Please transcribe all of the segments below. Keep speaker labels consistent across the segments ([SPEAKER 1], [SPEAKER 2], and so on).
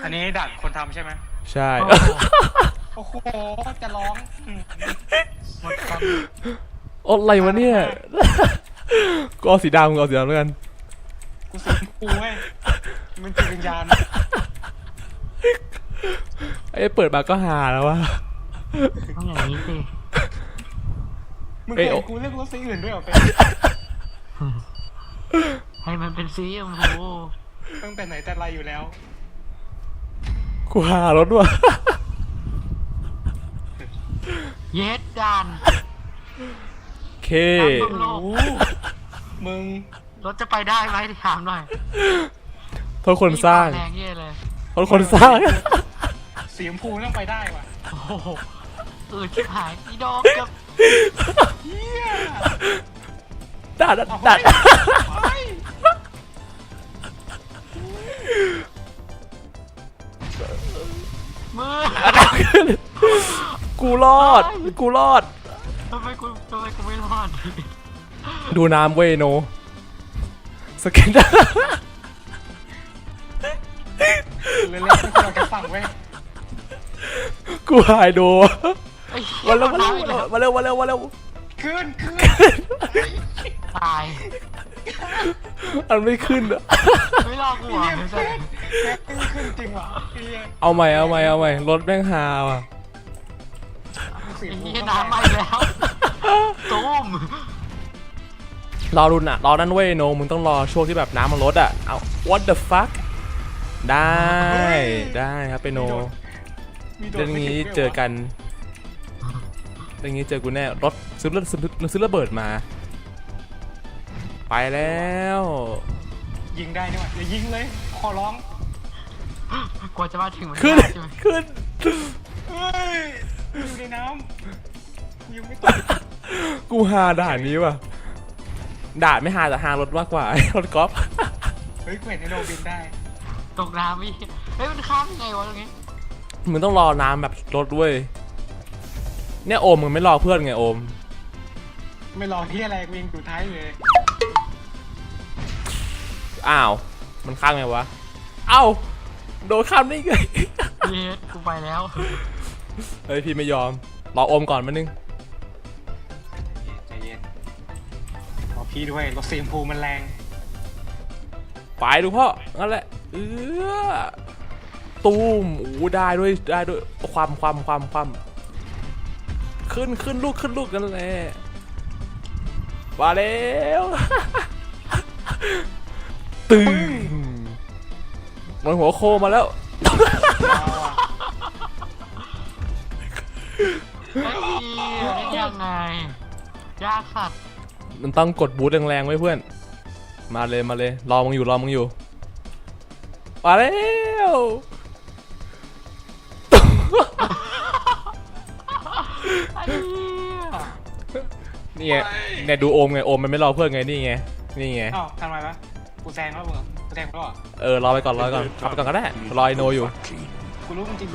[SPEAKER 1] อันนี้ด่านคนทำใช่ไหม
[SPEAKER 2] ใช่
[SPEAKER 1] โอ้โหจะร้องหมดค
[SPEAKER 2] ำอะไรวะเนี่ยก็เอาสีดำก็เอาสีดำแล้วกัน
[SPEAKER 1] กูสีกูเว้ยมันจิตวิญญาณ
[SPEAKER 2] ไอ้เปิดมาก็หาแล้ววะ
[SPEAKER 3] ต้องอย่างนี้สิ
[SPEAKER 1] มึงเคยกูเลือกรถสีอื่นด้วยเหรอเป็น
[SPEAKER 3] ให้มันเป็นสีชมพู
[SPEAKER 1] ตั้งแต่ไหนแต่ไรอยู่แล้ว
[SPEAKER 2] กูหารถว่ะ
[SPEAKER 3] เย็ดดัน
[SPEAKER 2] เค
[SPEAKER 1] มึง
[SPEAKER 3] รถจะไปได้ไหมถามหน่อย
[SPEAKER 2] โทษคนสร้าง
[SPEAKER 3] แรงเย่เลย
[SPEAKER 2] โทษคนสร้าง
[SPEAKER 1] สีชมพูต้องไปได้ว่ะ
[SPEAKER 3] โอ้โหชิบหายอีดอกกับ
[SPEAKER 2] ดัด
[SPEAKER 3] มือ
[SPEAKER 2] กูรอด
[SPEAKER 3] ทำไมกูไม่รอด
[SPEAKER 2] ดูน้ำเวยโนสเก็ต
[SPEAKER 1] เล่นๆเราจะสั่งเว้ย
[SPEAKER 2] กูหายโดมาเร็ว
[SPEAKER 1] ขึ้น
[SPEAKER 3] ตาย
[SPEAKER 2] มันไม่ขึ้นอ่ะ
[SPEAKER 3] ไม่รอกูอ่ะ
[SPEAKER 1] ขึ้นจริงเหรอ
[SPEAKER 2] เอาใหม่รถแม่งฮาว่ะ
[SPEAKER 3] น้ำมาแล้วตุ้ม
[SPEAKER 2] รอรุนอ่ะรอนั่นเว้ยโนมึงต้องรอช่วงที่แบบน้ำมันลดอ่ะเอา what the fuck ได้ครับไปโนเรื่องนี้เจอกันเรื่องนี้เจอกูแน่รถซื้อระเบิดมาไปแล้ว
[SPEAKER 1] ยิงได้นี่หว่าอย่ายิงเลยขอร้อง
[SPEAKER 3] กว่าจะมาถึง
[SPEAKER 2] ขึ้น
[SPEAKER 1] เฮ้ยอยู่ในน้ำยังไม่ตก
[SPEAKER 2] กูหาด่านนี้ว่ะด่านไม่หาแต่หารถมากกว่ารถกอล์ฟ
[SPEAKER 1] เฮ้ยเห็นในโนบินได้
[SPEAKER 3] ตกน้ำอีกเฮ้ยมันข้ามยังไงวะตรงนี้
[SPEAKER 2] มึงต้องรอน้ำแบบรถด้วยเนี่ยโอมมึงไม่รอเพื่อนไงโอม
[SPEAKER 1] ไม่รอที่อะไรกูยังอยู่ท้ายเลย
[SPEAKER 2] อ้าวมันข้ามไงวะเอ้าโดนข้ามได้ไง
[SPEAKER 3] เย็ดกูไปแล้ว
[SPEAKER 2] เฮ้ยพี่ไม่ยอมรอโอมก่อนมานึง
[SPEAKER 1] ใจเย็นรอพี่ด้วยรถสีชมพูมันแรง
[SPEAKER 2] ไปดูพ่อนั่นแหละตูมโอ้ได้ด้วยความขึ้นลูกกันแหละมาแล้วตึงมันหัวโคมาแล้ว
[SPEAKER 3] ยังไงยากสัตว์
[SPEAKER 2] มันต้องกดบูทแรงๆไว้เพื่อนมาเลยรอมึงอยู่มาแล้วนี่ไงเนี่ยดูโอมไงโอมมันไม่รอเพื่อนไงนี่ไง
[SPEAKER 1] อ้าวทำไมวะกูแซงแล้วมึงกูแซงแล้ว
[SPEAKER 2] รอไปก่อนขับไปก่อนก็ได้รอไอโนอยู่
[SPEAKER 1] กูรู้จริง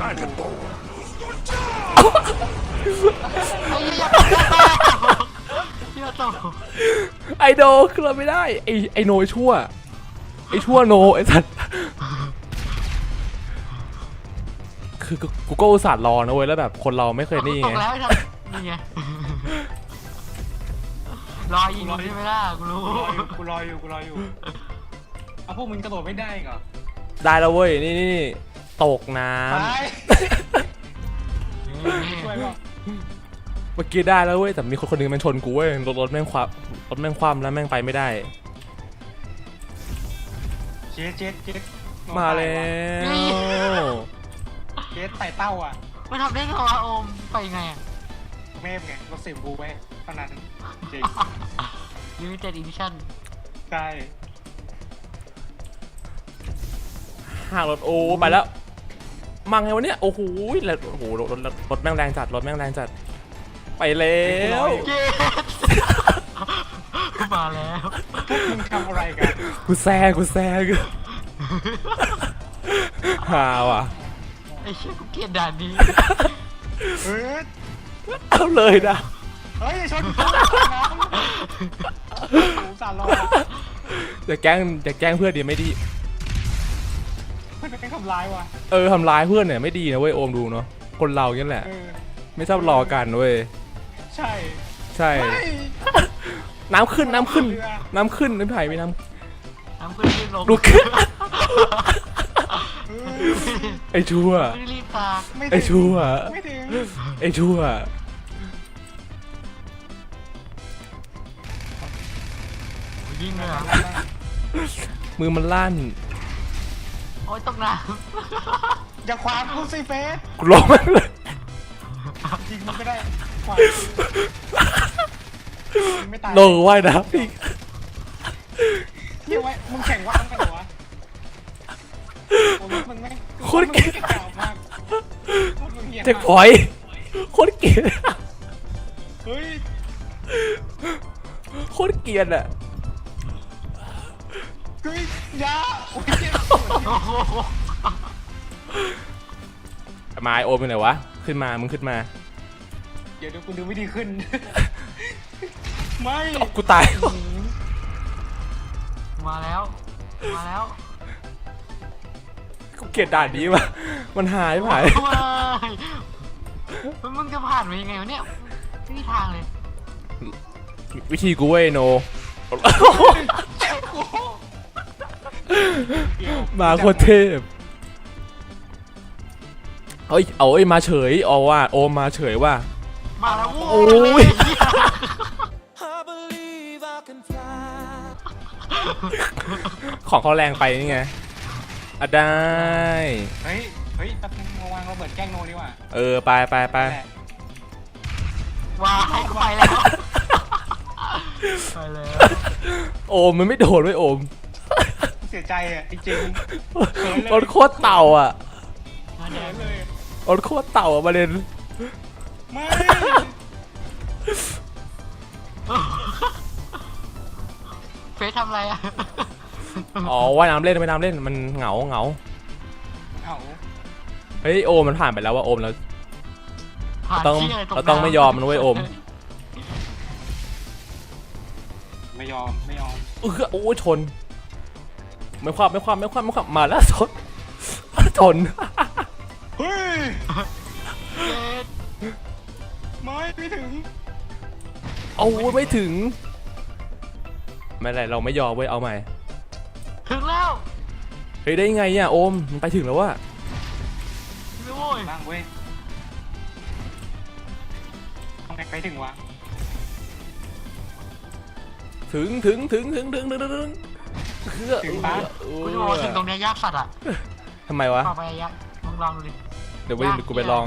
[SPEAKER 2] ไอโนคือเราไม่ได้ไอโนชั่วโนไอสัตว์คือกูก็อุตส่าห์รอนะเว้ยแล้วแบบคนเราไม่เคยนี่ไง
[SPEAKER 3] นี่ไงรอยิงใช่ไหมล่ะ
[SPEAKER 1] กูรออยู่เอาพวกมึงกระโดดไม่ได้เหรอ
[SPEAKER 2] ได้แล้วเว้ยนี่ตกน้ำเมื่อกี้ได้แล้วเว้ยแต่มีคนนึงมันชนกูเว้ยรถแม่งคว่ำแล้วแม่งไปไม่ได้
[SPEAKER 1] เจ๊
[SPEAKER 2] มาแล้ว
[SPEAKER 1] เจ๊ไต่เต้าอ่ะ
[SPEAKER 3] มันทำได้ไงวะโอมไปไงอ่ะ
[SPEAKER 1] เมฟไงรถสีชมพูไว้เท่านั้นจริง
[SPEAKER 3] Limited Edition
[SPEAKER 1] ใช่
[SPEAKER 2] ห่างรถโอ้ไปแล้วมังไงวะเนี่ยโอ้โหแล้วโอ้โหรถแม่งแรงจัดไปแล้ว
[SPEAKER 3] มาแล้ว
[SPEAKER 1] พวกมึงทำอะไรกัน
[SPEAKER 2] กูแซงฮาว่ะ
[SPEAKER 3] ไอ้เชี่ยกูเกลียดด่านนี้
[SPEAKER 2] เอาเลยนะ
[SPEAKER 1] เฮ้ยชนกูสารรอ
[SPEAKER 2] อย่าแกล้งเพื่อนดีไม่ดี
[SPEAKER 1] พื่อนเป็นทำร้ายว่ะ
[SPEAKER 2] ทำร้ายเพื่อนเนี่ยไม่ดีนะเว้ยโอมดูเนาะคนเราเนี่ยแหละ ไม่ชอบรอกันเว้ย
[SPEAKER 1] ใช่
[SPEAKER 2] ใช่
[SPEAKER 1] ไม่
[SPEAKER 2] น้ำขึ้นน้ำขึ้นน้ำขึ้นน้ำไผ่ไม่น้
[SPEAKER 3] น้ำขึ้นรีบลง
[SPEAKER 2] ำดูขึ้น
[SPEAKER 1] เออ
[SPEAKER 2] ไอ้ชั่ว
[SPEAKER 3] ไม่รีบตาก
[SPEAKER 1] ไม่ถึง
[SPEAKER 2] ไอ้ชั่ว
[SPEAKER 1] ไม่ถึง
[SPEAKER 2] ไอ้ชั่ว
[SPEAKER 3] ยิงเลยเหรอ
[SPEAKER 2] มือมันลั่น
[SPEAKER 3] โอ๊ยตกน้
[SPEAKER 1] อย่าขวางกูสิเฟส
[SPEAKER 2] กูร้องมันเลย
[SPEAKER 1] จริงมันไม่ได้ขวางมึงไม่ตาย
[SPEAKER 2] โลว่ายน้ำอีก
[SPEAKER 1] เยี่ยไว้มึงแข่งว่างกันเหรอวะโอ้ยมึงไม่
[SPEAKER 2] โคตรเกลียด
[SPEAKER 1] มึงไม่เก่ามากโคตรมึงเหี้ย
[SPEAKER 2] เจ็กพอยต์โคตรเกลียด
[SPEAKER 1] เฮ้ย
[SPEAKER 2] โคตรเกลียดอ่ะ
[SPEAKER 1] เฮ้ยอยาโอ้ยเจ็บ
[SPEAKER 3] ำโอ้โห
[SPEAKER 2] มาไอโอมเป็นไหนวะขึ้นมามึงขึ้นมา
[SPEAKER 1] เดี๋ยวกูดูไม่ดีขึ้น ไม่
[SPEAKER 2] กูตาย
[SPEAKER 3] มาแล้วมาแล้ว
[SPEAKER 2] กูเกลียดด่านนี้ว่ะมันหายไป
[SPEAKER 3] มึงจะผ่านไปยังไงวะเนี่ยไม่มีทางเลย
[SPEAKER 2] วิธีกูเว้ยโน
[SPEAKER 1] เจ็บกู
[SPEAKER 2] มาโคตรเทพเฮ้ยเอาไอ้ยมาเฉยเอาว่าโอมมาเฉยว่า
[SPEAKER 3] มาแล้ว
[SPEAKER 2] โอ้ย ของเขาแรงไปนี่ไงอ่ะได้
[SPEAKER 1] เฮ้ยเฮ้ยแป๊บนึงมาวางระเบิดแกล้งโนดีกว่า
[SPEAKER 2] ไปไปไป
[SPEAKER 1] แหละ
[SPEAKER 3] ว้ายไปแล้วไปแล้ว
[SPEAKER 2] โอมมันไม่โดนไว้ยโอม
[SPEAKER 1] เสียใจอ่ะจริงๆเขินเลย
[SPEAKER 2] รถโคตรเต่าอ่ะ
[SPEAKER 3] มาแด
[SPEAKER 1] เขิ
[SPEAKER 3] ง
[SPEAKER 1] นเลย
[SPEAKER 2] รถโคตรเต่าอ่ะประเด็น
[SPEAKER 1] ไม่
[SPEAKER 3] เฟซทำอะไรอ่ะ
[SPEAKER 2] อ๋อว่ายน้ำเล่นว่ายน้ำเล่นมันเหงา
[SPEAKER 1] เอา
[SPEAKER 2] เฮ้ยโอมมันผ่านไปแล้วว่าโอมแล้ว
[SPEAKER 3] ผ่าน
[SPEAKER 2] ต้อง
[SPEAKER 3] ที่ะร
[SPEAKER 2] เราต้องไม่ยอมมันเว้ยโอม
[SPEAKER 1] ไม่ยอมไม่ยอม
[SPEAKER 2] โอ้ยชนไม่ความมาแล้วชนชน
[SPEAKER 1] เฮ้ย
[SPEAKER 3] เฟซ
[SPEAKER 1] ไม่ถึง
[SPEAKER 2] เอาไม่ถึงไม่เป็นไรเราไม่ยอมเว้ยเอาใหม่
[SPEAKER 3] ถึงแล้ว
[SPEAKER 2] เฮ้ยได้ไงอ่ะโอมมันไปถึงแล้วว่ะ
[SPEAKER 3] โอ้ย
[SPEAKER 1] บ้างเว้ยทำไงไปถึงวะ
[SPEAKER 2] ถึงคือ
[SPEAKER 3] กูจะบอกว่าถึงตรงเนี้ยยากสัตว์อ่ะ
[SPEAKER 2] ทำไมวะ
[SPEAKER 3] ต่อไปยากมึงลองดูดิ
[SPEAKER 2] เดี๋ยวกูไปลอง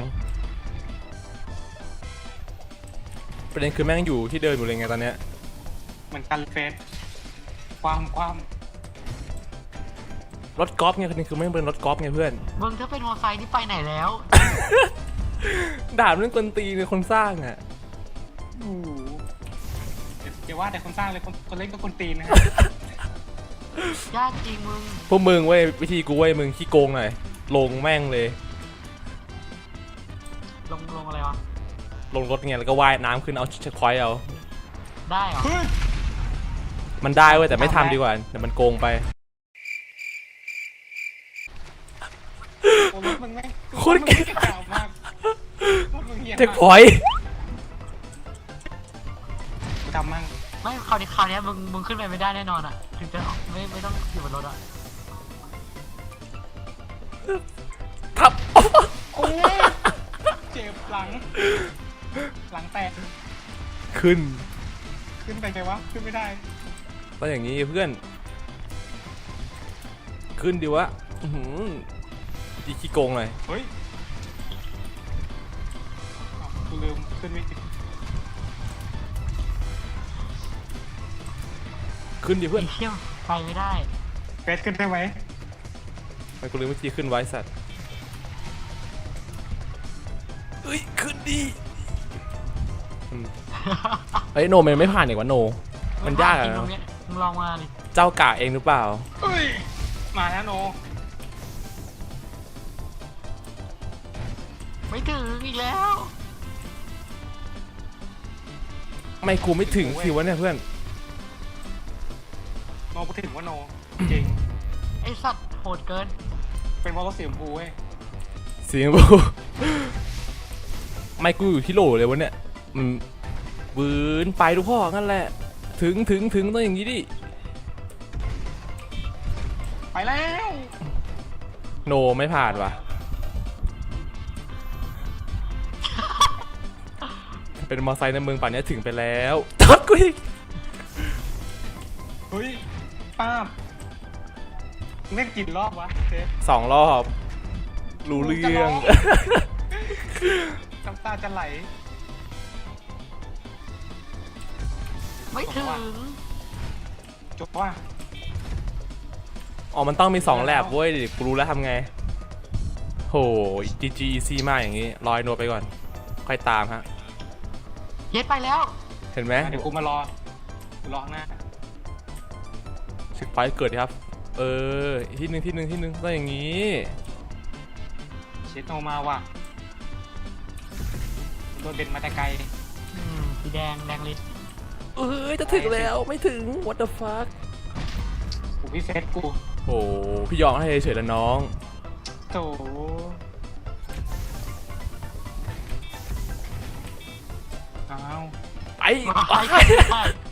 [SPEAKER 2] ประเด็นคือแม่งอยู่ที่เดิมอยู่เลยไงตอนเนี้ย
[SPEAKER 1] เหมือนกันเฟสความ
[SPEAKER 2] รถกอล์ฟไงประเด็นคือไม่งเป็นรถกอล์ฟไงเพื่อน
[SPEAKER 3] มึงถ้าเป็นมอเตอร์ไซค์นี่ไปไหนแล้ว
[SPEAKER 2] ด่าเรื่องกลตีในคนสร้างอ่ะ
[SPEAKER 1] โอ้โหอย่าว่าแต่คนสร้างเลยคนเล่นก็คนตีนนะฮะ
[SPEAKER 3] ยากจริงมึง
[SPEAKER 2] พวกมึงเว้ยวิธีกูเว้ยมึงขี้โกงหน่อยลงแม่งเลย
[SPEAKER 3] ลงอะไรวะ
[SPEAKER 2] ลงรถไงแล้วก็ว่ายน้ำขึ้นเอาเช็คพอยต์เอา
[SPEAKER 3] ได้เหรอ
[SPEAKER 1] เฮ้ย
[SPEAKER 2] มันได้เว้ยแต่ไม่ทำดีกว่าเดี๋ยวมันโกงไป
[SPEAKER 1] โอ้รถมึงแม่ง
[SPEAKER 2] โคตรเกลียด
[SPEAKER 1] เก่ามากรถมึงเหี้ย
[SPEAKER 2] เช็คพ
[SPEAKER 1] มาก
[SPEAKER 2] อยต์
[SPEAKER 1] กูทำมั่ง
[SPEAKER 3] ไม่คราวนี้มึงขึ้นไปไม่ได้แน่นอนอ่ะถึงจะไม่ต้องอยู่บนรถอ่ะ
[SPEAKER 2] ทับ
[SPEAKER 1] โอ้ยเจ็บหลังแตก
[SPEAKER 2] ขึ้น
[SPEAKER 1] ขึ้นไปไงวะขึ้นไม่ได้
[SPEAKER 2] ต้องอย่างนี้เพื่อน ขึ้นดิวะอื้อหือดีขี้โกงหน่อย
[SPEAKER 1] เฮ้ยอ้าวกูลืมขึ้นไม่ถึง
[SPEAKER 2] ขึ้นดิเพื่อน
[SPEAKER 3] ไอ้เที่ยวไปไม่ได้
[SPEAKER 1] เฟสขึ้นได้ไหม
[SPEAKER 2] มันกูลืมวิธีขึ้นไว้สัตว์เฮ้ยขึ้นดิอืมเฮ้ยโนมันไม่ผ่านอีกวะโน มันยาก
[SPEAKER 3] จ
[SPEAKER 2] อะ
[SPEAKER 3] ริงตรงเนี้ยมึงลองมาดิ
[SPEAKER 2] เจ้ากะเองหรือเปล่า
[SPEAKER 1] เอ้ยมาแล้วโน
[SPEAKER 3] ไม่ถึงอีกแล้ว
[SPEAKER 2] ไม่กูไม่ถึงสิวะเนี่ยเพื่อน
[SPEAKER 1] โนพูดถึงว่าโนจริง
[SPEAKER 3] ไอสัตว์โหดเกิน
[SPEAKER 1] เฟเป็นเพราะรถสีชมพูเว้ย
[SPEAKER 2] เสียงบู ไม่กูอยู่ที่โหลเลยวะเนี่ยมันวืนไปดูพ่องั้นแหละถึงต้องอย่างนี้ดิ
[SPEAKER 1] ไปแล้ว
[SPEAKER 2] โนไม่ผ่านว่ะ เป็นมอไซค์ในเมืองป่านนี้ถึงไปแล้วทัดกูอีก
[SPEAKER 1] เฮ้ยป้าบเล่นกี่รอบวะเจ๊
[SPEAKER 2] 2 รอบรู้เรื่อง
[SPEAKER 1] น้ำตาจะไหล
[SPEAKER 3] ไม่ถึง
[SPEAKER 1] จบว่า
[SPEAKER 2] อ๋อมันต้องมี2แลบเว้ยกูรู้แล้วทำไงโห GG easy มากอย่างนี้รอยโนไปก่อนค่อยตามฮะ
[SPEAKER 3] เย็ดไปแล้ว
[SPEAKER 2] เห็นไหม
[SPEAKER 1] เดี๋ยวกูมารอกูรอข้างหน้า
[SPEAKER 2] สึกไฟเกิดดิครับที่หนึ่งต้องอย่างนี้
[SPEAKER 1] เชดโนมาว่ะโดนเด่นมาแต่ไกล
[SPEAKER 3] สีแดงลิส
[SPEAKER 2] จะถึงแล้วไม่ถึง what the fuck
[SPEAKER 1] กูพี่เฟสกู
[SPEAKER 2] โอ้พี่ยอมให้เฉยๆแล้วน้อง
[SPEAKER 1] โถอ้าว
[SPEAKER 2] ไป
[SPEAKER 3] ใช่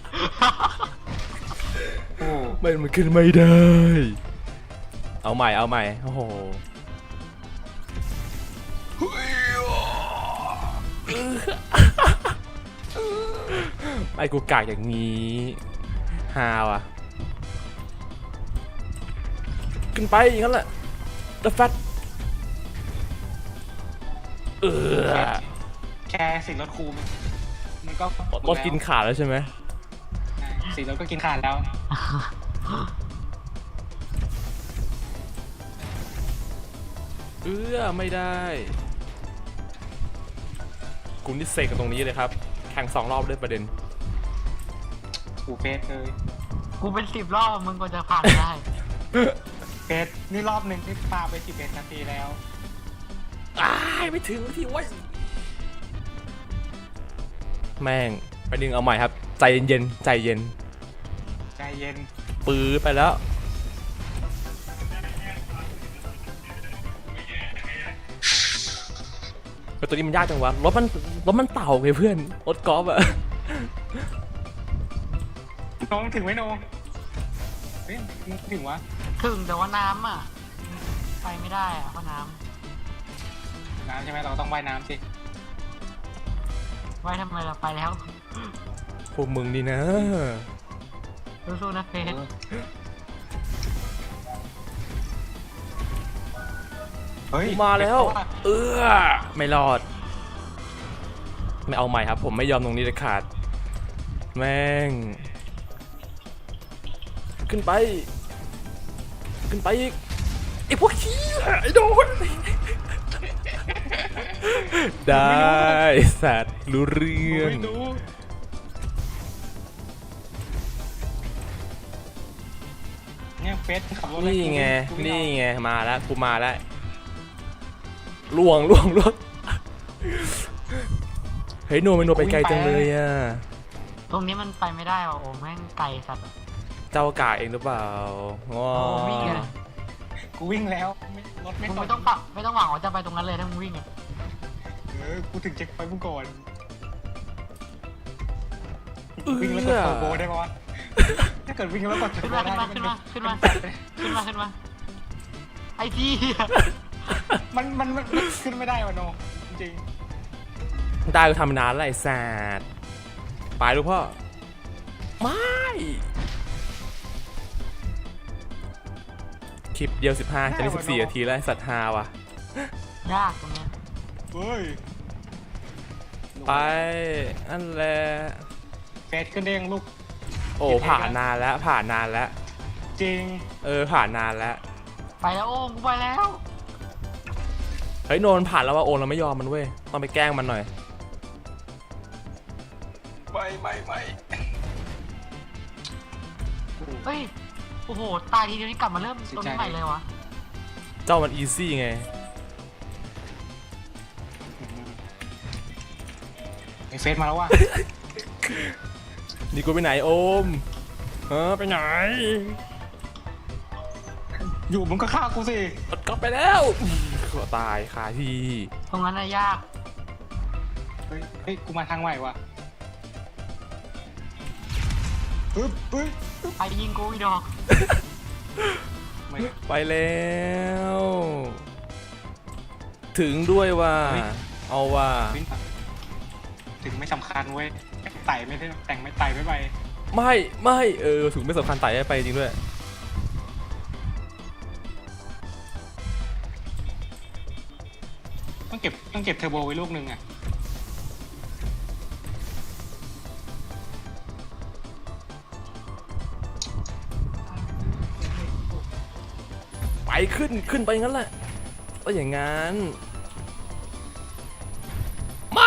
[SPEAKER 1] โอ้
[SPEAKER 2] มันขึ้นไม่ได้ เอาใหม่โอ้โหไอ้กูกากอย่างนี้ฮาวอ่ะขึ้นไปอย่างนั้นแหละ The Fat
[SPEAKER 1] แค่สีรถคูมันก็
[SPEAKER 2] รถกินขาดแล้วใช่ไหม
[SPEAKER 1] สีรถก็กินขาดแล้ว
[SPEAKER 2] ไม่ได้กูนี่เสกกันตรงนี้เลยครับ แข่ง2 รอบด้วยประเด็น
[SPEAKER 1] กูเฟสเลย
[SPEAKER 3] กูเป็น10 รอบมึงก็จะผ่านได้
[SPEAKER 1] เฟสนี่รอบหนึ่งที่ปาไป11 นาทีแล้ว
[SPEAKER 2] ไม่ถึงที่ไว้แม่งไปดึงเอาใหม่ครับ ใจเย็น
[SPEAKER 1] ใจเย็น
[SPEAKER 2] ปื้อไปแล้วแต่ตัวนี้มันยากจังวะรถมันเต่าไงเพื่อนรถกอล์ฟอะ
[SPEAKER 1] น้องถึงไหมโนเฮ้ยถึงวะ
[SPEAKER 3] ถึงแต่ว่าน้ำอ่ะไปไม่ได้อ่ะเพราะน้
[SPEAKER 1] น้ำใช่ไหมเราต้องว่ายน้ำสิ
[SPEAKER 3] ำไว้ทำไมเราไปแล้ว
[SPEAKER 2] พวกมึงนี่นะ
[SPEAKER 3] สู้ๆนะเฟส
[SPEAKER 1] เฮ้ย
[SPEAKER 2] มาแล้ว ไม่รอด ไม่เอาใหม่ครับ ผมไม่ยอมตรงนี้เลยขาด แม่ง ขึ้นไปอีกไอ้พวกขี้ไอ้โดน ได้สัตว์รู้เรื่อง
[SPEAKER 1] ไม่รู้เนี่ยเฟสขับรถ
[SPEAKER 2] นี่ไง
[SPEAKER 1] กูม่
[SPEAKER 2] นี่
[SPEAKER 1] เอา
[SPEAKER 2] ไงมาแล้วกูมาแล้วล่วงรถเฮ้ยโนไปไกลจังเลยอ่ะ
[SPEAKER 3] ตรงนี้มันไปไม่ได้ว่ะโอ้แม่งไกลสัตว์
[SPEAKER 2] เจ้ากาเองหรือเปล่าว้า
[SPEAKER 3] โอ้วิ่งเลย
[SPEAKER 1] กูวิ่งแล้วรถไม่
[SPEAKER 3] มึง
[SPEAKER 1] ต
[SPEAKER 3] ไม่
[SPEAKER 1] ก
[SPEAKER 3] ต้องปักไม่ต้องหวังว่าจะไปตรงนั้นเลยถ้ามึงวิ่งอ่ะ
[SPEAKER 1] กูถึงเช็คไฟมึงก่อนวิ่งแล้วกดเทอร์โบได้ปะวะถ้าเกิดวิ่งแล้วกดเทอ
[SPEAKER 3] ขึ้
[SPEAKER 1] ร์
[SPEAKER 3] น
[SPEAKER 1] โบ
[SPEAKER 3] มา
[SPEAKER 1] ได้
[SPEAKER 3] ขึ้นมาไอ้ที่
[SPEAKER 1] มันขึ้นไม่ได้วะโนจริง
[SPEAKER 2] ได้ก็ทำนานแล้วไอ้สัตว์ไปดูพ่อไม่คลิปเดียว15จะได้14 นาทีแล้วไอ้สัตว์ฮาว่ะ
[SPEAKER 3] ยากตรงเนี้ย
[SPEAKER 1] เฮ้ย
[SPEAKER 2] ไปนั่นแหละ
[SPEAKER 1] เฟสขึ้นได้ยังลูก
[SPEAKER 2] โอ้ผ่านนานแล้วผ่านนานแล้ว
[SPEAKER 1] จริง
[SPEAKER 2] ผ่านนานแล้ว
[SPEAKER 3] ไปแล้วโอ้กูไปแล้ว
[SPEAKER 2] เฮ้ยโนนผ่านแล้วว่าโอนเราไม่ยอมมันเว้ยต้องไปแกล้งมันหน่อย
[SPEAKER 1] ไม่
[SPEAKER 3] เฮ้ยโอ้โหตายทีเดียวนี้กลับมาเริ่มต้นใหม่เลยวะ
[SPEAKER 2] เจ้ามันอีซี่ไง
[SPEAKER 1] ไอเฟสมาแล้วว่ะ
[SPEAKER 2] นี่กูไปไหนโอมไปไหน
[SPEAKER 1] อยู่มึงก็ฆ่ากูสิ
[SPEAKER 2] รถกอไปแล้วก็ตายคาที่
[SPEAKER 3] ตรงนั้นน่ะยาก
[SPEAKER 1] เฮ้ยกูมาทางใหม่ว่ะปึ๊บปึ๊บ
[SPEAKER 3] ไปยิงกูอีดอก
[SPEAKER 1] ไม่
[SPEAKER 2] ไปแล้ว ถึงด้วยว่า เอาว่า
[SPEAKER 1] วิ่งมาถึงไม่สำคัญเว้ยไต่ไม่ได้แต่งไม่ไต่ไม่ไป
[SPEAKER 2] ไม่ถึงไม่สำคัญไต่ให้ไปจริงด้วย
[SPEAKER 1] ต้องเก็บเทอร์โบไว้ลูกนึงอ่ะ
[SPEAKER 2] ไปขึ้นไปงั้นแหละก็อย่างงั้นไม่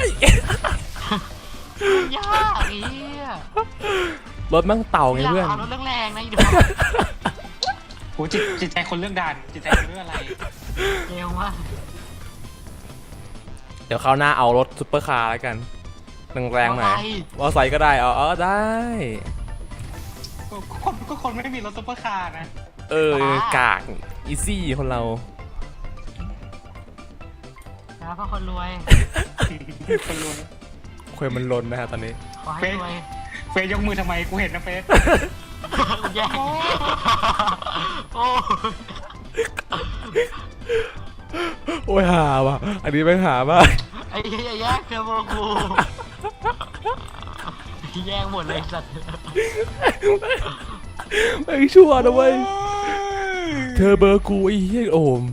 [SPEAKER 3] ยากอีอ่ะ
[SPEAKER 2] รถมั่งเต่าไงเพื่อน
[SPEAKER 3] เอารถแรงๆนะอีดอก
[SPEAKER 1] โหจิตใจคนเลือกด่านจิตใจคนเลือกอะไร
[SPEAKER 3] เร็วมาก
[SPEAKER 2] เดี๋ยวคราวหน้าเอารถซุปเปอร์คาร์แล้วกันแรงๆหน่อยมอไซค์ก็ได้ได้
[SPEAKER 1] ก็คนไม่ได้มีรถซุปเปอร์คาร์นะ
[SPEAKER 2] กากอีซี่คนเรา
[SPEAKER 3] นะเพราะคนรวย
[SPEAKER 1] คนรวย
[SPEAKER 2] คุยมันลนนะฮะตอนนี้
[SPEAKER 3] ขอให้รวย
[SPEAKER 1] เฟยยกมือทำไมกูเห็นนะเฟย
[SPEAKER 3] แย่งโอ้
[SPEAKER 2] โอ้ยหาว่ะอันนี้ไม่หามาก
[SPEAKER 3] ไอ้เหี้ยแย่งเทอร์โบกูแย่งหมดเลยสัตว์
[SPEAKER 2] ไม่ชั่วนะเว้ยเธอเบอร์กูไอ้เหี้ยโอม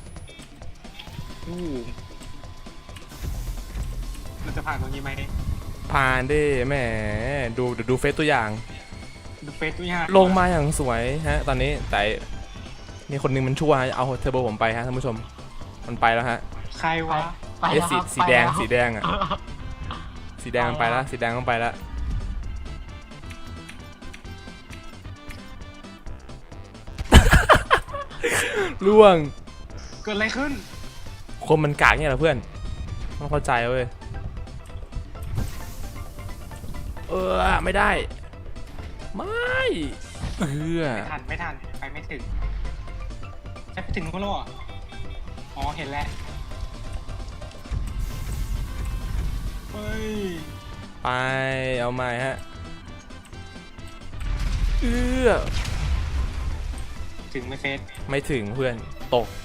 [SPEAKER 1] เราจะผ่านตรงนี้ไหม
[SPEAKER 2] ผ่านดิแหมดูเฟซตัวอย่าง
[SPEAKER 1] ดูเฟซด้วยฮะ
[SPEAKER 2] ลงมาอย่างสวยฮะตอนนี้แต่มีคนหนึงมันชั่วฮะเอาเทอร์โบผมไปฮะท่านผู้ชมมันไปแล้วฮะ
[SPEAKER 1] ใครวะ
[SPEAKER 3] ไปแล้วครับ
[SPEAKER 2] สีแดงสีแดงอ่ะสีแดงมันไปแล้วสีแดงมันไปแล้วล่วง
[SPEAKER 1] เกิดอะไรขึ้น
[SPEAKER 2] คนมันกากเนี่ยเหรอเพื่อนต้องเข้าใจเว้ยไม่ได้ไม่
[SPEAKER 1] ไม่ทันไปไม่ถึงจะไปถึงก็รออ๋อเห็นแล้วเฮ้ย
[SPEAKER 2] ไปเอาใหม่ฮะ
[SPEAKER 1] ถึงไหม่เฟซ
[SPEAKER 2] ไม่ถึงเพื่อนตก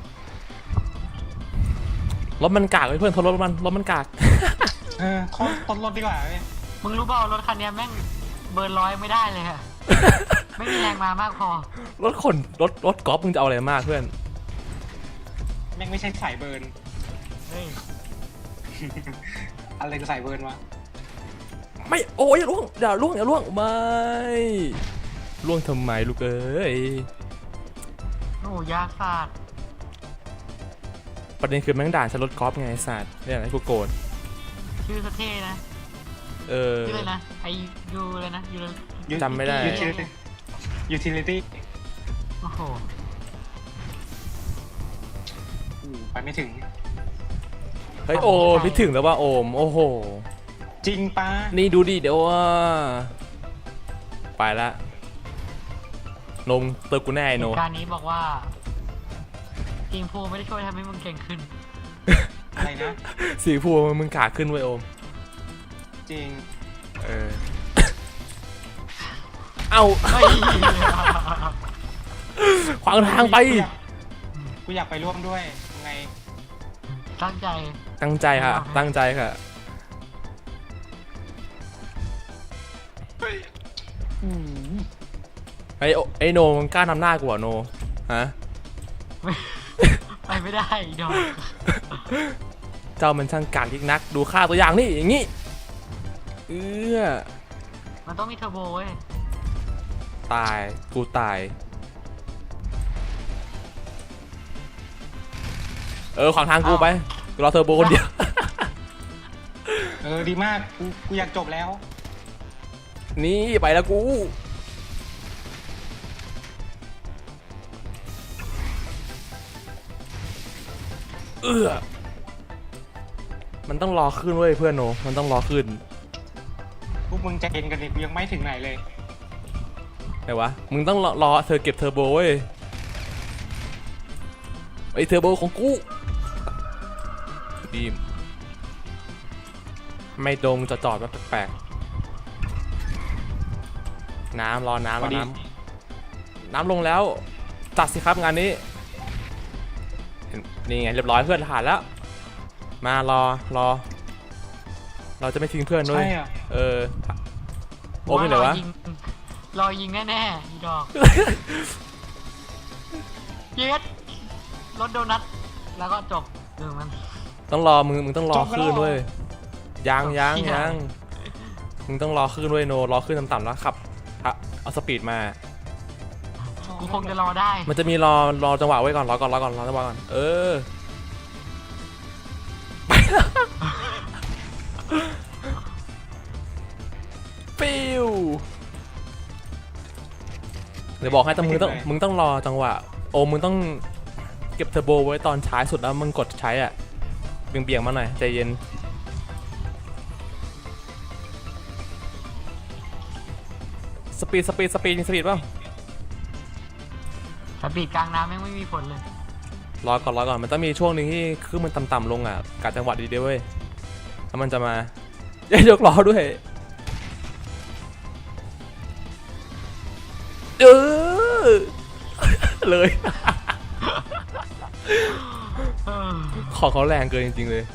[SPEAKER 2] รถมันกากเว้ยเพื่อนทนรถมันกาก
[SPEAKER 1] ต้นรถดีกว่าเว้ย
[SPEAKER 3] มึงรู้เปล่ารถคันนี้แม่งเบิร์น100ไม่ได้เลยอะไม่มีแรงมามากพอ
[SPEAKER 2] รถกอล์ฟมึงจะเอาอะไรมากเพื่อน
[SPEAKER 1] แม่งไม่ใช่สายเบิร์น
[SPEAKER 3] เฮ้ย
[SPEAKER 1] อะไรก็สายเบิร์นวะ
[SPEAKER 2] ไม่โอ้ยอย่าล่วงไม่ล่วงทำไมลูกเอ้ย
[SPEAKER 3] โอ้ยากศาสตร์
[SPEAKER 2] ประเด็นคือแม่งด่านฉันรถกอล์ฟไงไอ้สัตว์เนี่ยอะไรกูโกรธ
[SPEAKER 3] ชื่อสเท่นะชื่อเลยนะไอยูเลยนะยู
[SPEAKER 2] จำไม่ได้
[SPEAKER 1] ยูทิลิตี้
[SPEAKER 3] โอ้โห
[SPEAKER 1] ไปไม่ถึง
[SPEAKER 2] เฮ้ยโอพี่ถึงแล้วว่าโอมโอ้โห
[SPEAKER 1] จริงปะ
[SPEAKER 2] นี่ดูดิเดี๋ยวว่าไปละนมเติมกูแน่ไอ้โน
[SPEAKER 3] การนี้บอกว่าทีมพูไม่ได้ช่วยทำให้มึงเก่งขึ้น
[SPEAKER 1] อะไรนะ
[SPEAKER 2] สีพูมึงกากขึ้นไว้ยโอม
[SPEAKER 1] จริง
[SPEAKER 2] เอา
[SPEAKER 3] เฮ้ย
[SPEAKER 2] ขวางทางไป
[SPEAKER 1] กูอยากไปร่วมด้วยยังไง
[SPEAKER 3] ตั้งใจ
[SPEAKER 2] ตั้งใจค่ะตั้งใจค่ะไอโนมึงกล้านำหน้ากูเหรอโนฮะ
[SPEAKER 3] ไปไม่ได้อีดอก
[SPEAKER 2] เจ้ามันช่างกากยิ่งนักดูค่าตัวอย่างนี่อย่างงี้
[SPEAKER 3] มันต้องมีเทอร์โบเว้ย
[SPEAKER 2] ตายกูตายขวางทางกูไปกูรอเทอร์โบคนเดียว
[SPEAKER 1] ดีมากกูอยากจบแล้ว
[SPEAKER 2] นี่ไปแล้วกูมันต้องรอขึ้นเว้ยเพื่อนโนมันต้องรอขึ้น
[SPEAKER 1] พวกมึงใจเย็นกันดิกูยังไม่ถึงไหนเลย
[SPEAKER 2] ไหนวะมึงต้องรอเธอเก็บเทอร์โบเว้ยไอเทอร์โบของกูบีมไม่ดงจอดแบบแปลกๆน้ำรอน้ำรอน้ำลงแล้วจัดสิครับงานนี้นี่ไงเรียบร้อยเพื่อนผ่านแล้วมารอเราจะไม่ทิ้งเพื่อนด้วย
[SPEAKER 1] ใช่อ่ะ
[SPEAKER 2] โอ้ไม่เลยวะ
[SPEAKER 3] รอยิงแน่ๆอีดอกเย็ดรถโดนัทแล้วก็จบเรื่องมัน
[SPEAKER 2] ต้องรอมึงต้องรอคลื่นด้วยยังมึงต้องรอคลื่นด้วยโนรอคลื่นต่ำๆแล้วขับเอาสปีดมา
[SPEAKER 3] กูคงจะรอได้
[SPEAKER 2] มันจะมีรอจังหวะไว้ก่อนรอจังหวะก่อนปิวเดี๋ยวบอกให้แต่มึงต้องรอจังหวะโอ้มึงต้องเก็บเทอร์โบไว้ตอนท้ายสุดแล้วมึงกดใช้อ่ะเบี่ยงมาหน่อยใจเย็นสปีดป่ะ
[SPEAKER 3] สปีดกลางน้ำไม่มีผลเลย
[SPEAKER 2] รอก่อนมันต้องมีช่วงหนึ่งที่คือมันต่ำๆลงอ่ะกัดจังหวะดีๆเว้ยแล้วมันจะมายกล้อด้วยเลย ของเขาแรงเกินจริงๆเลย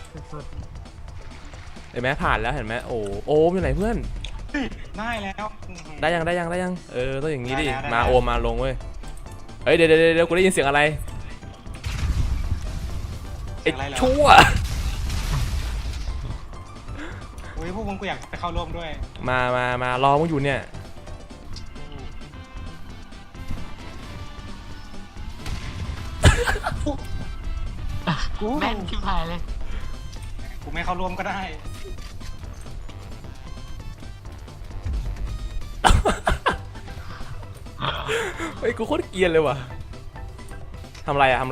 [SPEAKER 2] เห็นไหมผ่านแล้วเห็นไหมโอ้อยู่ไหนเพื่อน
[SPEAKER 1] ได้แล้ว
[SPEAKER 2] ได้ยังต้องอย่างนี้ดิ
[SPEAKER 1] ได้
[SPEAKER 2] มาโอมมาลงเว้ยเฮ้ยเดี๋ยวกูได้ยินเสียงอะไรไอ้ชั่ว
[SPEAKER 1] โอ้ยพวกมึงกูอยากไปเข้าร่วมด้วย
[SPEAKER 2] มารอมึงอยู่เนี่ย
[SPEAKER 3] แม่นชิบหายเลย
[SPEAKER 1] กูไม่เข้าร่วมก็ได้
[SPEAKER 2] เฮ้ยกูโคตรเกรียนเลยว่ะทำไรอะ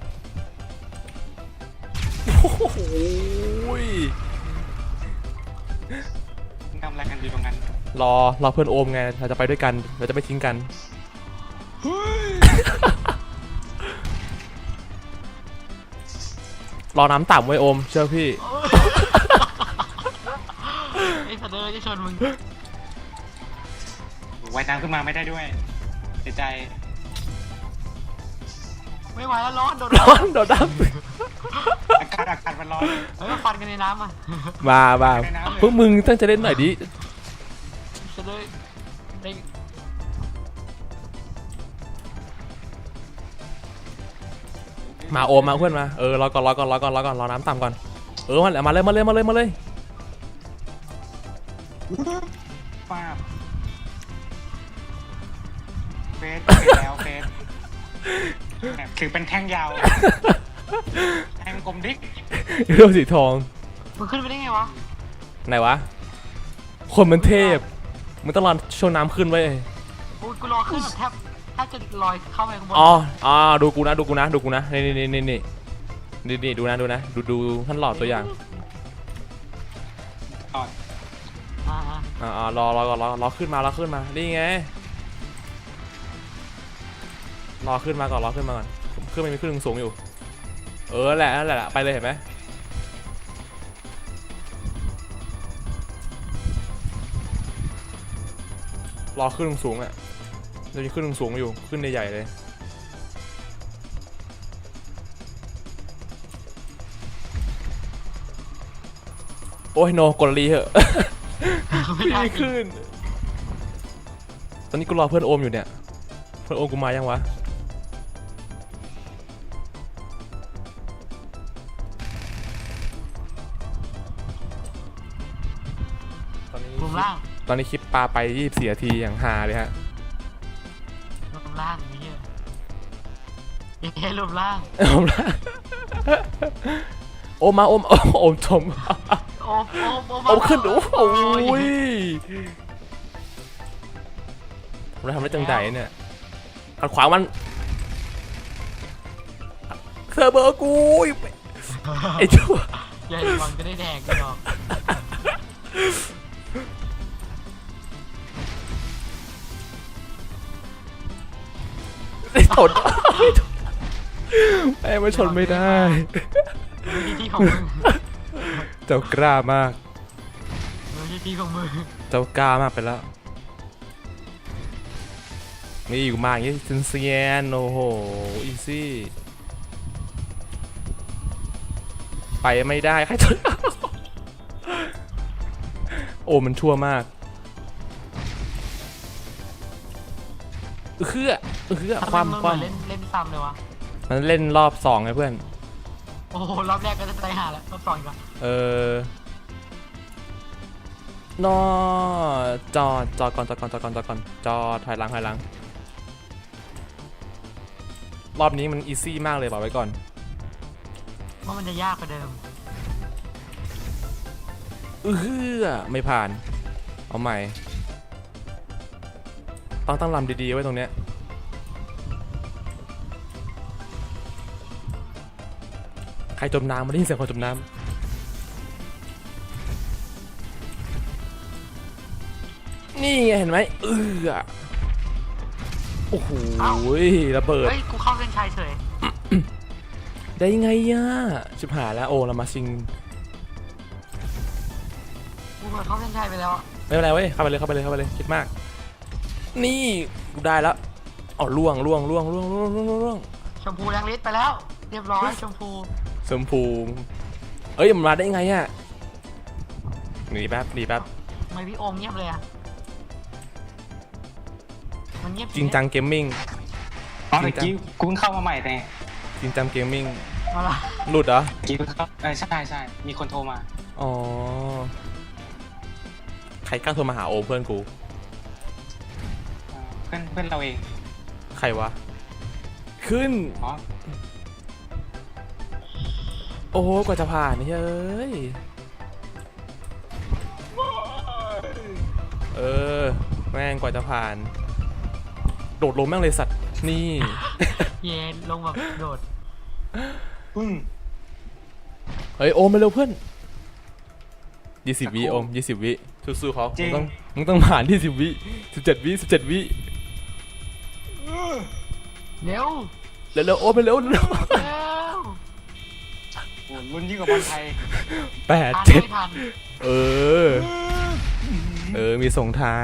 [SPEAKER 2] โอ้โห
[SPEAKER 1] ทำอะไรกันอยู่ตรงนั้น
[SPEAKER 2] รอเพื่อนโอมไงเราจะไปด้วยกันเราจะไม่ทิ้งกันรอน้ำต่ำไว้โอมเชื่อพี่
[SPEAKER 3] ไอ้สัตว์เลยจะชนมึง
[SPEAKER 1] ว่ายน้ำขึ้นมาไม่ได้ด้วยเสียใจ
[SPEAKER 3] ไม่ไหวแล้วร้อนโดน
[SPEAKER 2] น้ำ
[SPEAKER 1] อากาศมันร้อน
[SPEAKER 3] ฟันกันในน้ำอ่ะ
[SPEAKER 2] มาพวกมึงตั้งใจเล่นหน่อยดิ
[SPEAKER 3] จะได้
[SPEAKER 2] มาโอมมาเพื่อนมารอก่อนรอน้ำต่ำก่อนมาเลย
[SPEAKER 1] ป้าเฟสแล้วเฟสถือเป็นแท่งยาวแท่งกลมดิ๊ก
[SPEAKER 2] เรื่องสีทอง
[SPEAKER 3] มันขึ้นไปได้ไงวะ
[SPEAKER 2] ไหนวะคนมันเทพมันต้องรอช่วงน้ำขึ้นไว้
[SPEAKER 3] กูรอขึ้นแทบจะลอยเข้าไปข้างบน
[SPEAKER 2] ดูกูนะนี่ดูนะดูท่านหลอดตัวอย่างรอขึ้นมานี่ไงรอขึ้นมาก่อนขึ้นไม่มีขึ้นสูงอยู่แหละไปเลยเห็นไหมรอขึ้นสูงอ่ะจะมีขึ้นสูงอยู่ขึ้นใหญ่เลยโอ้ยโนกดรีเหอะไม่ขึ้นตอนนี้กูรอเพื่อนโอมอยู่เนี่ยเพื่อนโอมกูมายังวะตอนนี้คลิปปลาไป24 นาทีอย่างฮาเลยฮะ
[SPEAKER 3] รูปร่างนี่รูปร่าง
[SPEAKER 2] โอมชมโอมขึ้นโอ้ยเราทำได้จังใจเนี่ยขัดขวางมันเธอเบอร์กูไอ้ชั่ว
[SPEAKER 3] ใหญ่หวังจะได้แดกกันหรอก
[SPEAKER 2] ไอ้ตดแม่งมาชนไม่ได้
[SPEAKER 3] ไม่ใช่ที่ของมึง
[SPEAKER 2] เจ้ากล้ามาก
[SPEAKER 3] ไม่ใช่ที่ของมึง
[SPEAKER 2] เจ้ากล้ามากไปแล้วนี่อยู่มาอย่างนี้เซียนโอ้โหอีซี่ไปไม่ได้ใครชน โอ้มันชั่วมากเอื้อความ
[SPEAKER 3] เล่นซ้ำเลยวะ
[SPEAKER 2] มันเล่นรอบ2ไงเพื่อน
[SPEAKER 3] โอ้โหรอบแรกก็จะตายห่าแล้วรอบสองอีกแล้ว
[SPEAKER 2] นอจอก่อนจอถอยหลังรอบนี้มันอีซี่มากเลยบอกไว้ก่อน
[SPEAKER 3] ว่ามันจะยากกว่าเดิม
[SPEAKER 2] ไม่ผ่านเอาใหม่ต้องตั้งลำดีๆไว้ตรงเนี้ยใครจมน้ำมาได้ยินเสียงคนจมน้ำนี่ไงเห็นไหมโอ้โหระเบิด
[SPEAKER 3] เฮ้ยกูเข้าเส้นชัยเฉย
[SPEAKER 2] ได้ไงอ่ะชิบหายแล้วโอ้เรามาชิง
[SPEAKER 3] กูเปิดเข้าเส้นชัยไปแล้วอะ
[SPEAKER 2] ไม่เป็นไรเว้ยเข้าไปเลยคิดมากนี่กูได้แล้วอ๋อล่วง
[SPEAKER 3] ชมพูแรงฤทธิ์ไปแล้ว เรียบร้อยชมพู
[SPEAKER 2] ชมพูเอ้ยมันมาได้ไงอ่ะหนีแป๊บ
[SPEAKER 3] ทำไมพี่โอมเงียบเลยอะมันเงียบ
[SPEAKER 2] จริงจังเกมมิ่ง
[SPEAKER 1] อ๋อเมื่อกี้กูเพิ่งเข้ามาใหม่แต่
[SPEAKER 2] จริงจังเกมมิ่ง
[SPEAKER 3] มาละ
[SPEAKER 2] หลุดเหรอ
[SPEAKER 1] เมื่อกี้เพิ่งเข้าใช่มีคนโทรมา
[SPEAKER 2] อ๋อใครกล้าโทรมาหาโอมเพื่อนกู
[SPEAKER 1] เพื่อนเราเอง
[SPEAKER 2] ใครวะขึ้น
[SPEAKER 1] อ๋อ
[SPEAKER 2] โอ้โหกว่าจะผ่านนี่เฮ้ยแม่งกว่าจะผ่านโดดลงแม่งเลยสัตว์นี่
[SPEAKER 3] เย็นลงแบบโดด
[SPEAKER 2] เฮ้ยโอมไปเร็วเพื่อน20 วิโอม20 วิสู้ๆเขามึงต้องผ่าน20 วิ17 วิ
[SPEAKER 3] เร็ว
[SPEAKER 2] เร็วโอมไปเร็ว
[SPEAKER 3] เร็ว
[SPEAKER 1] โอ้รุ่นยิ่งกว่าบอลไทย
[SPEAKER 3] ทัน
[SPEAKER 2] 8 7
[SPEAKER 3] ไม่ทัน
[SPEAKER 2] มีส่งท้าย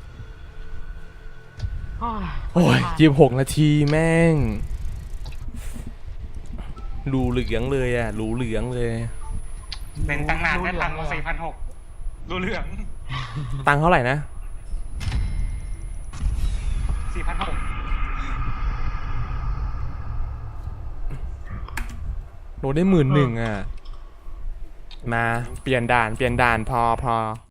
[SPEAKER 3] โอ้ย
[SPEAKER 2] 26 นาทีแม่งรูเหลืองเลยอ่ะรูเหลืองเลย
[SPEAKER 1] เป็นตั้งนานได้ตังค์มา4,600รู้เรื่อง
[SPEAKER 2] ตังค์เท่าไหร่นะ
[SPEAKER 1] 4,600
[SPEAKER 2] โดนได้11,000อ่ะมาเปลี่ยนด่านพอ